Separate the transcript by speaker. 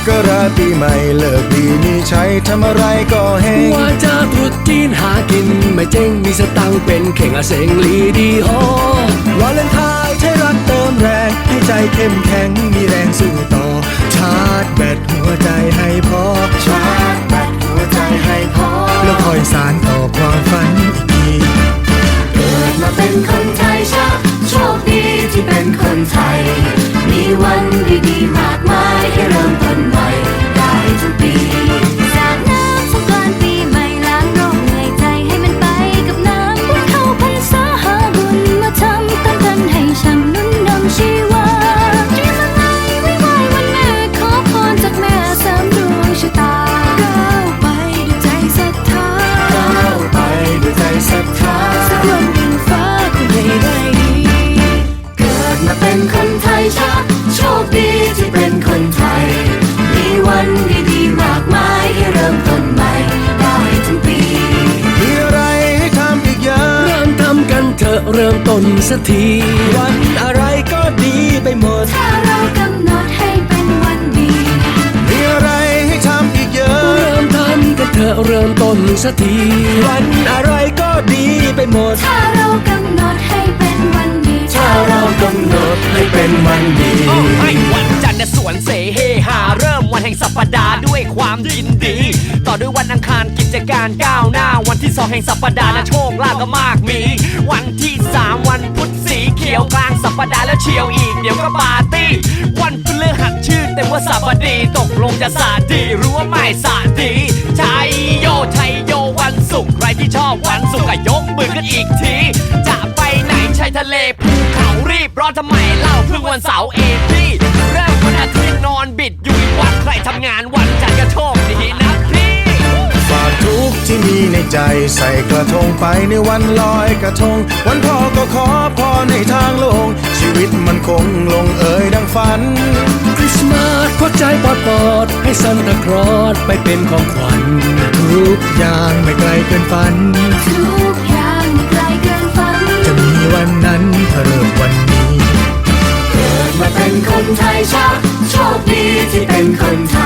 Speaker 1: กราชปีใหม่เลิกดีมีใช้ทำอะไรก็เฮง
Speaker 2: ว่าจะตรุษจีนหากินไม่เจ๊งมีสตังค์เป็นเข่งอาเสงลีดีฮอ
Speaker 1: วาเลนไทน์ใช้รักเติมแรงให้ใจเข้มแข็งมีแรงสู้ต่อชาร์จแบตหัวใจให้พอชาร์จแบตหัวใจให้พอแล้วคอยสานต่อความฝันอีกที
Speaker 3: เกิดมาเป็นคนไทยชาโชคดีที่เป็นคนไทยมีวันดีๆมากมายให้เริ่มต้นใหม่ได้ทุกปีสาดน้ำสงกรานต์ปีใหม่ล้างโรคเหนื่อยใจให้มันไปกับน้ำวันเข้าพรรษาหาบุญมาทำตั้งกันให้ช่ำนุ่นนำชีวาเตรียมอะไรไว้ไหว้วันแม่ขอพรจากแม่เสริมดวงชะตาก้าวไปด้วยใจศรัทธา
Speaker 1: ก้าวไปด้วยใจศรัทธา
Speaker 3: สักวันดินฟ้าคงให้ได้ดีเกิดมาเป็นคนไทยชาโชคดีที่เป็นคนไทยมีวันดีๆมากมายให้เริ่มต้นใหม่ได้ทั้งปี
Speaker 1: มีอะไรให้ทำอีกเยอะ
Speaker 2: เริ่มทำกันเถอะเริ่มต้นสักที
Speaker 1: วันอะไรก็ดีไปหมด
Speaker 3: ถ้าเรากำหนดให้เป็นวันดี
Speaker 1: มีอะไรให้ทำอีกเยอะ
Speaker 2: เริ่มทำกันเถอะเริ่มต้นสักที
Speaker 1: วันอะไรก็ดีไปหมด
Speaker 3: ถ้าเรากำหนดให้เป็นวันดี
Speaker 1: ถ้าเรากำหนดให้เป็นวันดี
Speaker 4: ให้วันจันทร์สวนเสเฮหาเริ่มวันแห่งสัปดาห์ด้วยความยินดีต่อด้วยวันอังคารกิจการก้าวหน้าวันที่2แห่งสัปดาห์นะโชคลาภก็มากมีวันที่3วันพุธสีเขียวกลางสัปดาห์แล้วเชียวอีกเดี๋ยวก็ปาร์ตี้วันพฤหัสชื่อเต็มว่าสัปดีตกลงจะสาดีรู้ว่าไม่สาดีชัยโยชัยโยวันศุกร์ใครที่ชอบวันศุกร์ก็ยกมือกันอีกทีจะไปไหนชายทะเลภูเขารีบร้อนทำไมเล่าเพิ่งวันเสาร์เอพี่เริ่มวันอาทิตย์นอนบิดอยู่อีกวันใครทำงานวันจันทร์ก็โชคดีนะพี่
Speaker 1: ฝากทุกที่มีในใจใส่กระทงไปในวันลอยกระทงวันพ่อก็ขอพรในทางโลงชีวิตมันคงลงเอยดังฝัน
Speaker 2: คริสต์มาสควักใจปอดให้ซันตาคลอสไปเป็นของขวัญ
Speaker 1: ทุกอย่างไม่ไกลเกินฝัน
Speaker 3: ทุกอย่างไม่ไกลเกินฝัน
Speaker 1: จะมีวันนั้นถ้าเริ่มวันนี้
Speaker 3: เกิดมาเป็นคนไทยชาโชคดีที่เป็นคนไท